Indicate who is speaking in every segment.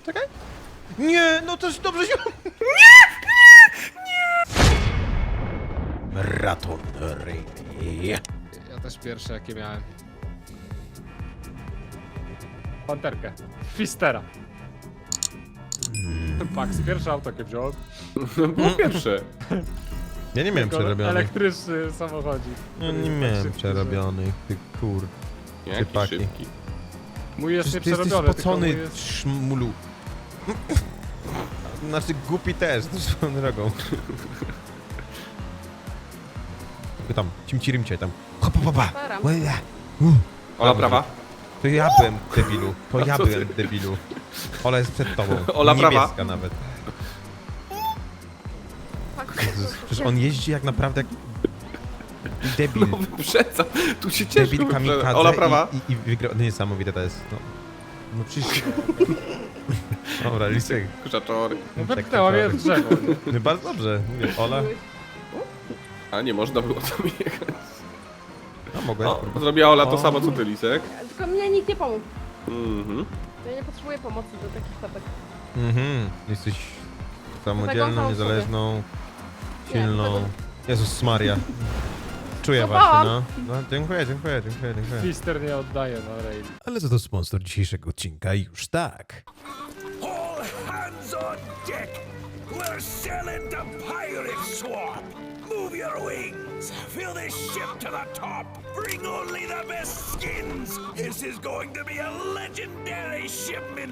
Speaker 1: Czekaj. Nie, no też dobrze się... Maraton Rally.
Speaker 2: Ja też pierwsze jakie miałem. Panterkę. Fistera. Pax, pierwsze auto jakie wziąłem.
Speaker 3: Było pierwsze.
Speaker 1: Ja nie miałem
Speaker 2: Tylko
Speaker 1: przerobionych.
Speaker 2: elektryczny samochodzik.
Speaker 1: No nie
Speaker 2: Tak
Speaker 1: miałem
Speaker 2: szybki,
Speaker 1: przerobionych, ty kur...
Speaker 3: Jaki
Speaker 1: Chłopaki.
Speaker 3: szybki.
Speaker 2: że- Mój jest
Speaker 1: Przecież ty jesteś
Speaker 2: nieprzerobiony, tylko
Speaker 1: spocony,
Speaker 2: mój jest...
Speaker 1: szmulu. Znaczy głupi też, swoją drogą. Tylko tam, cimcirimcie tam. Hopa, hopa.
Speaker 4: Param.
Speaker 3: Ola prawa.
Speaker 1: To ja byłem debilu, to ja
Speaker 3: co ty?
Speaker 1: byłem debilu. Ola jest przed tobą.
Speaker 3: Ola prawa.
Speaker 1: Niebieska nawet. Jezus, przecież on jeździ jak naprawdę jak debil.
Speaker 3: No wyprzedzam. Tu się cieszę.
Speaker 1: Debil kamikadze
Speaker 3: Ola prawa.
Speaker 1: i wygrał. No niesamowite to jest. No przecież... Dobra, Lisek.
Speaker 3: Kurzaczory.
Speaker 2: No wypchnęła mnie w drzewo.
Speaker 1: No bardzo dobrze. Mówię, Ola.
Speaker 3: A nie można było tam jechać.
Speaker 1: No mogłeś.
Speaker 3: O, zrobiła Ola to
Speaker 1: O.
Speaker 3: samo co ty, Lisek.
Speaker 4: Tylko mnie nikt nie pomógł.
Speaker 3: Mhm.
Speaker 4: Ja nie potrzebuję pomocy do takich tapek.
Speaker 1: Jesteś
Speaker 4: Tego
Speaker 1: samodzielną,
Speaker 4: sam
Speaker 1: niezależną,
Speaker 4: Nie,
Speaker 1: silną.
Speaker 4: tego-
Speaker 1: Jezus Maria. Czuję
Speaker 4: Złapałam.
Speaker 1: właśnie, no. Dziękuję.
Speaker 2: Fister nie oddaje na rail.
Speaker 1: Ale za to sponsor dzisiejszego odcinka już tak.
Speaker 5: All hands on deck! We're sailing to Pirate Swamp! Move your wings! Fill this ship to the top! Bring only the best skins! This is going to be a legendary shipment!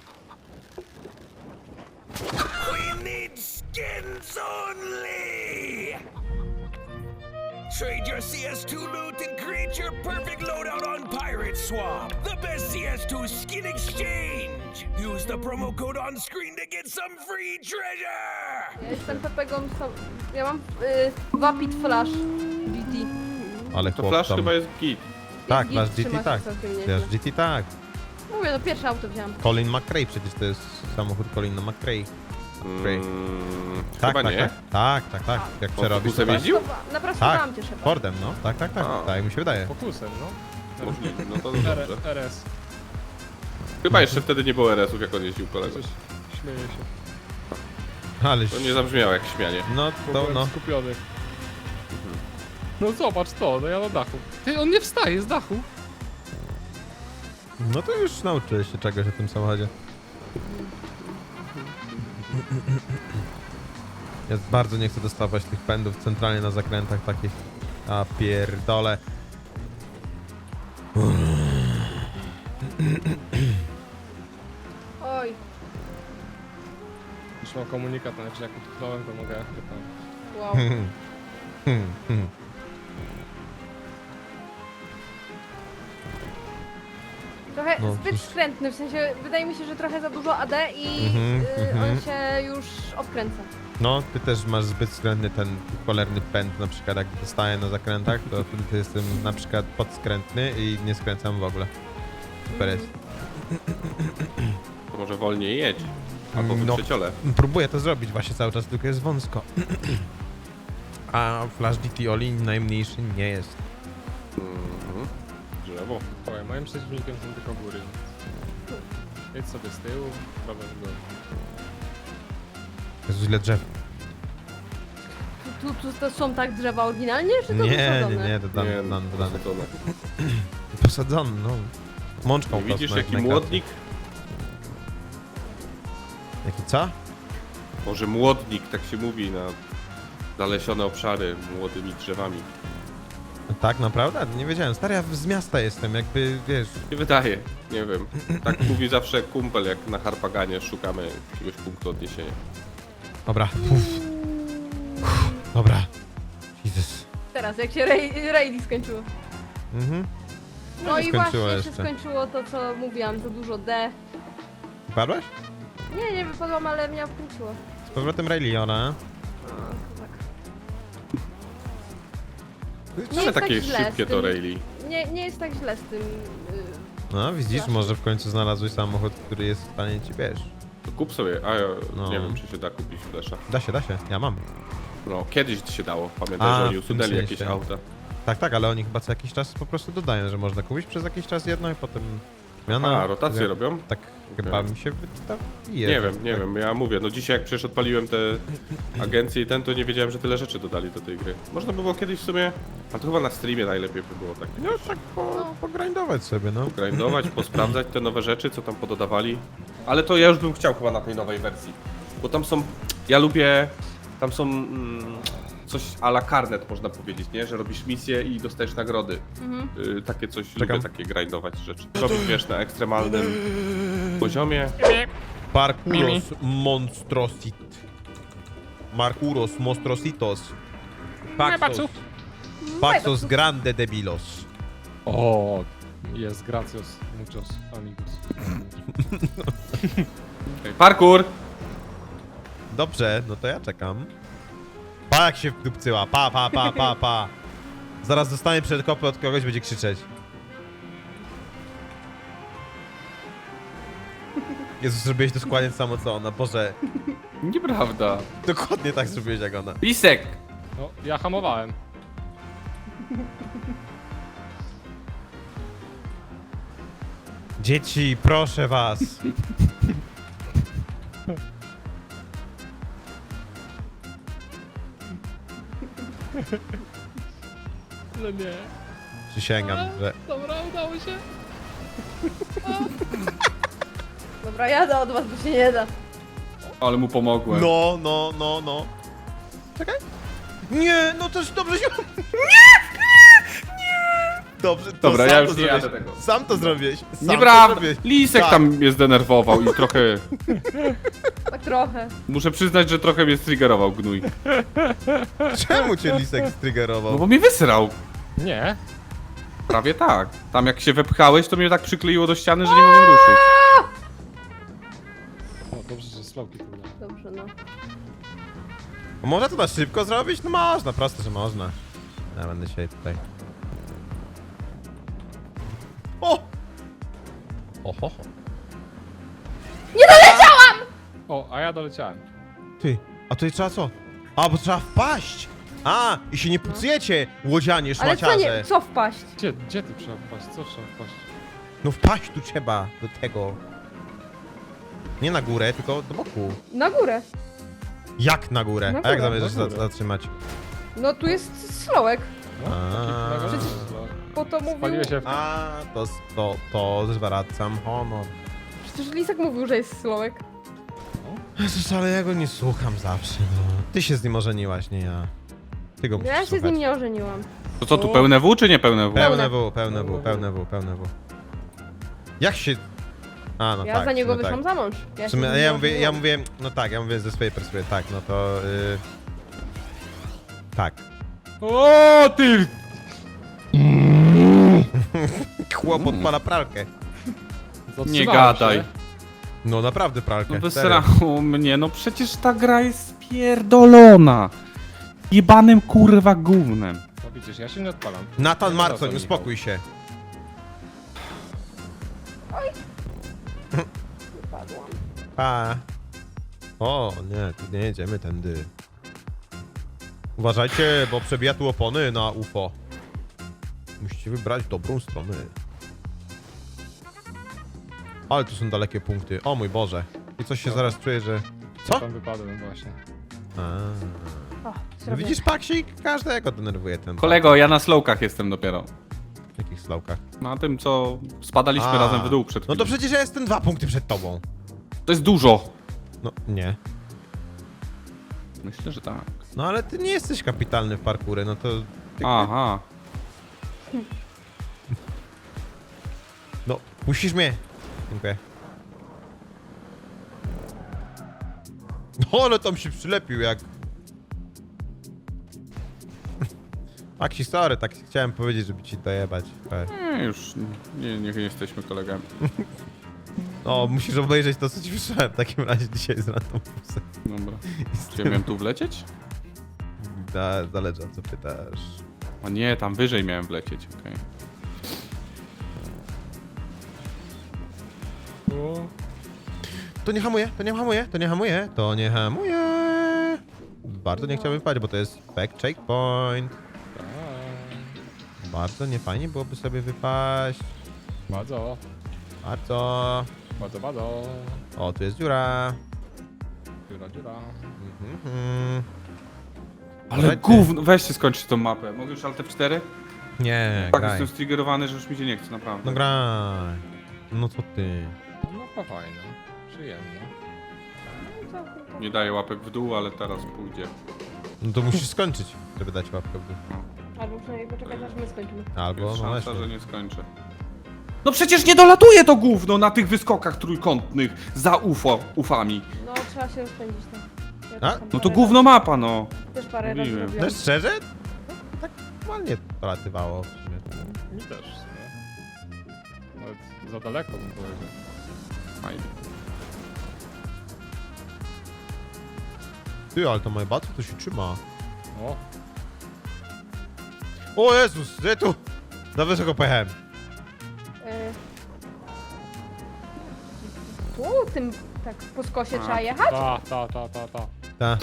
Speaker 5: We need skins only! Trade your CS2 loot and create your perfect loadout on Pirate Swamp. The best CS2 skin exchange. Use the promo code on screen to get some free treasure.
Speaker 4: Ja jestem Pepegą, ja mam Vapid Flash GT.
Speaker 1: Ale
Speaker 3: To
Speaker 1: chłop
Speaker 3: Flash
Speaker 1: tam...
Speaker 3: chyba jest git.
Speaker 1: Tak,
Speaker 4: Git
Speaker 1: masz
Speaker 4: trzyma
Speaker 1: GT
Speaker 4: się
Speaker 1: tak.
Speaker 4: całkiem nieźle.
Speaker 1: Wiesz, GT tak.
Speaker 4: Mówię, no pierwsze auto wziąłem.
Speaker 1: Colin McRae przecież to jest samochód Colina McRae. Tak,
Speaker 3: Chyba
Speaker 1: tak,
Speaker 3: nie.
Speaker 1: tak. Jak przerobisz to
Speaker 3: Focusem
Speaker 1: tak.
Speaker 3: jeździł?
Speaker 4: Naprostowałam
Speaker 1: Tak,
Speaker 4: cię szefem.
Speaker 1: Fordem, no. Tak,
Speaker 3: A.
Speaker 1: tak mi się wydaje.
Speaker 2: Fokusem, no.
Speaker 3: Możliwe, no to dobrze.
Speaker 2: RS.
Speaker 3: Chyba jeszcze wtedy nie było RS-ów, jak on jeździł kolego.
Speaker 2: Coś śmieje się.
Speaker 1: Ale...
Speaker 3: To nie zabrzmiało jak śmianie.
Speaker 1: No,
Speaker 2: Bo
Speaker 1: to
Speaker 2: byłem
Speaker 1: no.
Speaker 2: skupiony. No zobacz to, no ja na dachu. Ty, on nie wstaje z dachu.
Speaker 1: No to już nauczyłeś się czegoś o tym samochodzie. Ja bardzo nie chcę dostawać tych pędów centralnie na zakrętach takich. A pierdole.
Speaker 4: Oj,
Speaker 2: Już mam komunikat, znaczy jak utknąłem, to mogę tam.
Speaker 4: wow. Trochę
Speaker 1: No,
Speaker 4: zbyt
Speaker 1: cóż.
Speaker 4: skrętny, w sensie wydaje mi się, że trochę za dużo AD i
Speaker 1: Mhm,
Speaker 4: on się już odkręca.
Speaker 1: No, ty też masz zbyt względny ten cholerny pęd, na przykład jak dostaję na zakrętach, to wtedy jestem na przykład podskrętny i nie skręcam w ogóle. Super jest.
Speaker 3: To może wolniej jedź. Albo
Speaker 1: No.
Speaker 3: wyprzeciole.
Speaker 1: Próbuję to zrobić właśnie cały czas, tylko jest wąsko. A Flash GT Oli najmniejszy nie jest.
Speaker 3: Mhm. Drzewo.
Speaker 2: Słuchaj, moim przeciwnikiem są tylko góry. Jedź sobie z tyłu, prawo w górę.
Speaker 1: Jest źle drzew.
Speaker 4: Tu to są tak drzewa oryginalnie, czy to
Speaker 1: Nie,
Speaker 4: wysadzone?
Speaker 1: to
Speaker 3: Nie,
Speaker 1: dane.
Speaker 3: posadzone.
Speaker 1: Posadzony, no. Mączką
Speaker 3: Nie widzisz
Speaker 1: prostą, jak
Speaker 3: jaki
Speaker 1: najkratkę.
Speaker 3: młodnik?
Speaker 1: Jaki co?
Speaker 3: Może młodnik, tak się mówi na zalesione obszary młodymi drzewami.
Speaker 1: Tak, naprawdę? Nie wiedziałem. Stary, ja z miasta jestem, jakby, wiesz...
Speaker 3: Nie wydaje, nie wiem. Tak mówi zawsze kumpel, jak na Harpaganie szukamy jakiegoś punktu odniesienia.
Speaker 1: Dobra. Dobra. Jezus.
Speaker 4: Teraz, jak się rally skończyło.
Speaker 1: Mhm.
Speaker 4: No
Speaker 1: się
Speaker 4: i
Speaker 1: skończyło
Speaker 4: właśnie się
Speaker 1: jeszcze.
Speaker 4: skończyło to, co mówiłam, za dużo D.
Speaker 1: Padłeś?
Speaker 4: Nie wypadłam, ale mnie wkróciło.
Speaker 1: Z powrotem Raeliona.
Speaker 4: Nie
Speaker 3: Ale
Speaker 4: jest tak
Speaker 3: takie
Speaker 4: źle
Speaker 3: szybkie
Speaker 4: z
Speaker 3: to
Speaker 4: tym.
Speaker 3: Rayleigh.
Speaker 4: Nie jest tak źle z tym.
Speaker 1: No, widzisz, może w końcu znalazłeś samochód, który jest w stanie ci, wiesz...
Speaker 3: To kup sobie, a ja
Speaker 1: No.
Speaker 3: nie wiem czy się da kupić flesza.
Speaker 1: Da się, ja mam.
Speaker 3: No, kiedyś się dało, pamiętaj,
Speaker 1: A,
Speaker 3: że oni
Speaker 1: w tym
Speaker 3: usunęli jakieś
Speaker 1: sensie.
Speaker 3: auta.
Speaker 1: Tak, ale oni chyba co jakiś czas po prostu dodają, że można kupić przez jakiś czas jedno i potem Zmiana...
Speaker 3: A, rotacje robią?
Speaker 1: Tak chyba mi się wydaje.
Speaker 3: Nie wiem, ja mówię, no dzisiaj jak przecież odpaliłem te agencje i to nie wiedziałem, że tyle rzeczy dodali do tej gry. Można by było kiedyś w sumie, a to chyba na streamie najlepiej by było tak.
Speaker 1: No tak pogrindować sobie, no.
Speaker 3: Grindować, posprawdzać te nowe rzeczy, co tam pododawali. Ale to ja już bym chciał chyba na tej nowej wersji. Bo tam są, ja lubię, tam są coś a la Carnet można powiedzieć, nie? Że robisz misję i dostajesz nagrody. Takie coś, lubię takie grindować rzeczy. Robisz, wiesz, na ekstremalnym poziomie.
Speaker 1: Parkuros Monstrosit. Markuros Monstrositos. Paxos. Paxos Grande Debilos.
Speaker 2: O, jest gracios, muchos amigos.
Speaker 3: Parkour!
Speaker 1: Dobrze, no to ja czekam. Pa jak się wdupcyła, pa. Zaraz dostanie przedkopy od kogoś, będzie krzyczeć. Jezus, zrobiłeś to dokładnie samo co ona, Boże.
Speaker 3: Nieprawda.
Speaker 1: Dokładnie tak zrobiłeś jak ona.
Speaker 3: Lisek!
Speaker 2: No, ja hamowałem.
Speaker 1: Dzieci, proszę was.
Speaker 2: No nie.
Speaker 1: Przysięgam, że...
Speaker 2: Dobra, udało się.
Speaker 4: Dobra, jadę od was, bo się nie da.
Speaker 3: Ale mu pomogłem.
Speaker 1: No. Czekaj. Nie, no też dobrze się... Dobrze, to
Speaker 3: Dobra,
Speaker 1: sam
Speaker 3: ja
Speaker 1: to
Speaker 3: już nie
Speaker 1: zrobiłeś.
Speaker 3: jadę tego.
Speaker 1: Sam to zrobiłeś. Sam to
Speaker 3: Nieprawda!
Speaker 1: zrobiłeś.
Speaker 3: Lisek
Speaker 1: Tak.
Speaker 3: tam mnie zdenerwował i trochę...
Speaker 4: Tak trochę.
Speaker 3: Muszę przyznać, że trochę mnie striggerował gnój.
Speaker 1: Czemu cię Lisek striggerował?
Speaker 3: No bo mnie wysrał.
Speaker 2: Nie.
Speaker 3: Prawie tak. Tam jak się wepchałeś, to mnie tak przykleiło do ściany, że nie mogłem ruszyć.
Speaker 2: O, dobrze, że slowki tu udało.
Speaker 4: Dobrze, no.
Speaker 1: Można to na szybko zrobić? No można, proste, że można. Ja będę dzisiaj tutaj. O! Oho.
Speaker 2: O, a ja doleciałem.
Speaker 1: Ty, a tutaj trzeba co? A, bo trzeba wpaść! A, i się nie pucujecie, łodzianie,
Speaker 4: Ale co
Speaker 1: szmaciarze.
Speaker 4: nie, co wpaść?
Speaker 2: Gdzie ty trzeba wpaść? Co trzeba wpaść?
Speaker 1: No wpaść tu trzeba, do tego. Nie na górę, tylko do boku.
Speaker 4: Na górę.
Speaker 1: Jak na górę?
Speaker 4: Na
Speaker 1: A jak
Speaker 4: górę,
Speaker 1: zamierzasz
Speaker 2: na górę.
Speaker 1: zatrzymać?
Speaker 4: No tu jest slołek.
Speaker 2: No,
Speaker 1: A.
Speaker 2: taki
Speaker 1: Przecież-
Speaker 4: Po to mówił...
Speaker 2: Spaliłeś się w...
Speaker 1: A, to zwracam honor.
Speaker 4: Przecież Lisek mówił, że jest slołek.
Speaker 1: Jezus, ale ja go nie słucham zawsze, no. Ty się z nim ożeniłaś, nie ja. Ty go musisz
Speaker 4: Ja się z
Speaker 1: słuchać.
Speaker 4: nim nie ożeniłam.
Speaker 3: To co tu, pełne W czy nie pełne W?
Speaker 1: Pełne W. Jak się... A, no
Speaker 4: Ja
Speaker 1: tak.
Speaker 4: za niego
Speaker 1: no
Speaker 4: wyszłam
Speaker 1: tak.
Speaker 4: za mąż. Ja,
Speaker 1: W
Speaker 4: się
Speaker 1: sumie,
Speaker 4: z nim nie
Speaker 1: ja
Speaker 4: ożeniłam.
Speaker 1: mówię, no tak, ja mówię ze swojej perspektywy, tak, no to... tak.
Speaker 2: O, ty!
Speaker 1: Chłop odpala pralkę.
Speaker 2: Zatrzymałem
Speaker 3: Nie gadaj.
Speaker 2: się.
Speaker 1: No naprawdę pralkę.
Speaker 3: No
Speaker 1: serio.
Speaker 3: wysrało mnie, no przecież ta gra jest spierdolona. Jebanym kurwa gównem.
Speaker 2: No widzisz, ja się nie odpalam.
Speaker 1: Nathan
Speaker 2: No
Speaker 1: Marcoń,
Speaker 2: dobra,
Speaker 1: uspokój się.
Speaker 4: Wypadłam.
Speaker 1: Pa. O, nie, tu nie jedziemy tędy. Uważajcie, bo przebija tu opony na UFO. Musicie wybrać dobrą stronę. Ale tu są dalekie punkty. O mój Boże. I coś się zaraz czuje, że...
Speaker 2: Ja
Speaker 1: Co?
Speaker 2: tam wypadłem właśnie.
Speaker 1: A.
Speaker 4: O,
Speaker 1: No
Speaker 4: zrobię.
Speaker 1: widzisz, Paksik? Każdego denerwuje ten...
Speaker 3: Kolego, ja na slowkach jestem dopiero.
Speaker 1: W jakich slałkach?
Speaker 3: Na tym, co spadaliśmy
Speaker 1: A.
Speaker 3: razem w dół przed
Speaker 1: No to
Speaker 3: chwilą.
Speaker 1: przecież ja jestem 2 punkty przed tobą.
Speaker 3: To jest dużo.
Speaker 1: No, nie.
Speaker 3: Myślę, że tak.
Speaker 1: No ale ty nie jesteś kapitalny w parkurze, no to...
Speaker 3: Aha.
Speaker 1: No, puścisz mnie. Dziękuję. No, ale tam się przylepił jak... Aksi, sorry, tak chciałem powiedzieć, żeby ci dojebać.
Speaker 3: Nie, już nie jesteśmy kolegami.
Speaker 1: No, musisz obejrzeć to, co ci wysłałem w takim razie dzisiaj z randomusem.
Speaker 3: Dobra. Czy ja miałem tu wlecieć?
Speaker 1: Zależy, o co pytasz.
Speaker 3: A nie, tam wyżej miałem wlecieć, okej.
Speaker 2: O,
Speaker 1: To nie hamuje, to nie hamuje, to nie hamuje, to nie hamuje. Bardzo nie chciałbym wpaść, bo to jest back checkpoint.
Speaker 2: tak.
Speaker 1: Bardzo niefajnie byłoby sobie wypaść.
Speaker 2: Bardzo.
Speaker 1: Bardzo.
Speaker 2: Bardzo, bardzo.
Speaker 1: O, tu jest dziura.
Speaker 2: Dziura, dziura.
Speaker 3: Ale
Speaker 1: Słuchajcie.
Speaker 3: gówno, weźcie skończyć tą mapę. Mogę już Alt F4?
Speaker 1: Nie,
Speaker 3: Tak,
Speaker 1: graj.
Speaker 3: jestem striggerowany, że już mi się nie chce, naprawdę.
Speaker 1: No graj. No co ty?
Speaker 2: No fajne, przyjemne.
Speaker 3: Nie daję łapek w dół, ale teraz pójdzie.
Speaker 1: No to musisz skończyć, żeby dać łapkę w dół.
Speaker 4: Albo przynajmniej poczekać, aż my skończymy.
Speaker 1: Albo,
Speaker 3: Jest
Speaker 1: no
Speaker 3: szansa,
Speaker 1: właśnie.
Speaker 3: że nie skończę. No przecież nie dolatuje to gówno na tych wyskokach trójkątnych za ufami.
Speaker 4: No, trzeba się rozpędzić tam. Ja
Speaker 1: A?
Speaker 4: też tam
Speaker 3: No to
Speaker 4: parę
Speaker 3: gówno mapa, no.
Speaker 4: razy- Też parę razy
Speaker 3: mówiłem.
Speaker 4: robiłam.
Speaker 1: No szczerze? No, tak ładnie dolatywało w sumie.
Speaker 2: Mi też, w sumie. Nawet za daleko bym powiedział.
Speaker 3: Fajnie.
Speaker 1: Ty, ale to moje baty to się trzyma.
Speaker 2: O,
Speaker 1: O Jezus, gdzie tu? Za wysoko pojechałem.
Speaker 4: Tu, tym, tak, po skosie trzeba jechać?
Speaker 2: ta.
Speaker 1: Ta.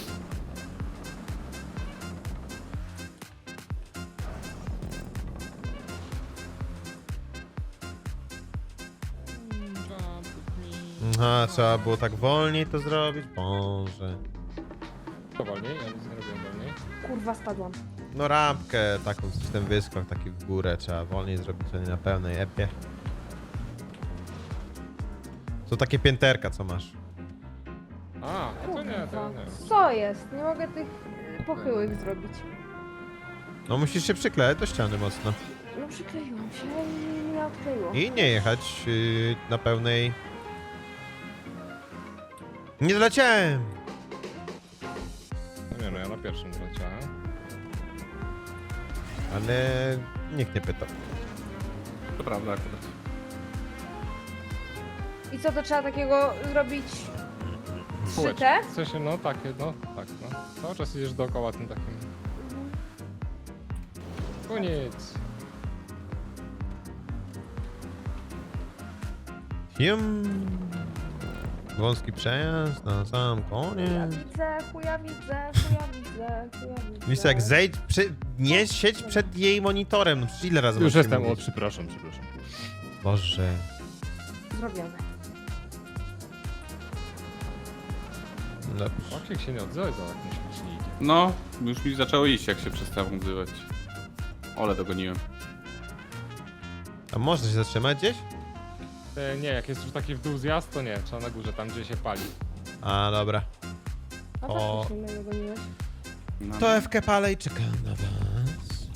Speaker 1: Aha, trzeba było tak wolniej to zrobić. Boże.
Speaker 2: To wolniej? Ja nic nie robiłem wolniej.
Speaker 4: Kurwa, spadłam.
Speaker 1: No rampkę taką, coś ten wyskok taki w górę trzeba wolniej zrobić, a nie na pełnej epie. To takie pięterka, co masz.
Speaker 2: A, to nie, to
Speaker 4: Kurwa,
Speaker 2: nie.
Speaker 4: co jest? Nie mogę tych pochyłych zrobić.
Speaker 1: No musisz się przyklejać do ściany mocno.
Speaker 4: No przykleiłam się i nie odkleiło.
Speaker 1: I nie jechać na pełnej... Nie doleciałem!
Speaker 2: No nie, no ja na pierwszym zleciałem.
Speaker 1: Ale nikt nie pytał.
Speaker 3: To prawda akurat.
Speaker 4: I co, to trzeba takiego zrobić
Speaker 2: Kółeczko.
Speaker 4: 3T?
Speaker 2: W sensie, no takie, no tak, no. Cały czas idziesz dookoła tym takim. Koniec.
Speaker 1: Wąski przejazd na sam
Speaker 4: Chuja
Speaker 1: koniec.
Speaker 4: widzę, chuja widzę, chuja widzę, chuja widzę.
Speaker 1: Lisa, jak zejdź, nie siedź przed jej monitorem. No przecież ile razy
Speaker 2: Już
Speaker 1: masz ci
Speaker 2: jestem, o
Speaker 1: mówić?
Speaker 2: przepraszam.
Speaker 1: Boże.
Speaker 4: Zrobione.
Speaker 1: Dobrze.
Speaker 2: Oksiek się nie odzywa za jakimś licznikiem.
Speaker 3: No, już mi zaczęło iść, jak się przestałem odzywać. Ole, dogoniłem.
Speaker 1: A można się zatrzymać gdzieś?
Speaker 2: Nie, jak jest już taki w dół zjazd, to nie, trzeba na górze, tam gdzie się pali.
Speaker 1: A, dobra.
Speaker 4: A
Speaker 1: O.
Speaker 4: faktycznie mnie dogoniłeś.
Speaker 3: No.
Speaker 1: To FK palę i czekam na was.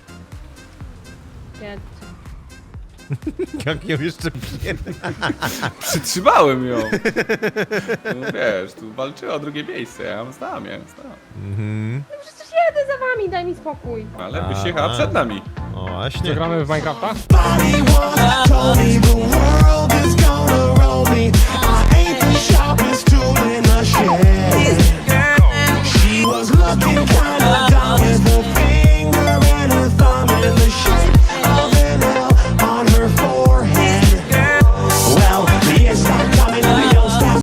Speaker 4: Nie,
Speaker 1: Jak ją jeszcze pierdolę.
Speaker 3: Przytrzymałem ją. No wiesz, tu walczyła o drugie miejsce, ja ją znam.
Speaker 1: Mhm.
Speaker 4: przecież jedę za wami, daj mi spokój.
Speaker 3: Ale byś jechała przed nami.
Speaker 1: O,
Speaker 2: Co,
Speaker 1: właśnie.
Speaker 2: gramy w Minecrafta?
Speaker 5: Body once told me the world is gonna roll me. I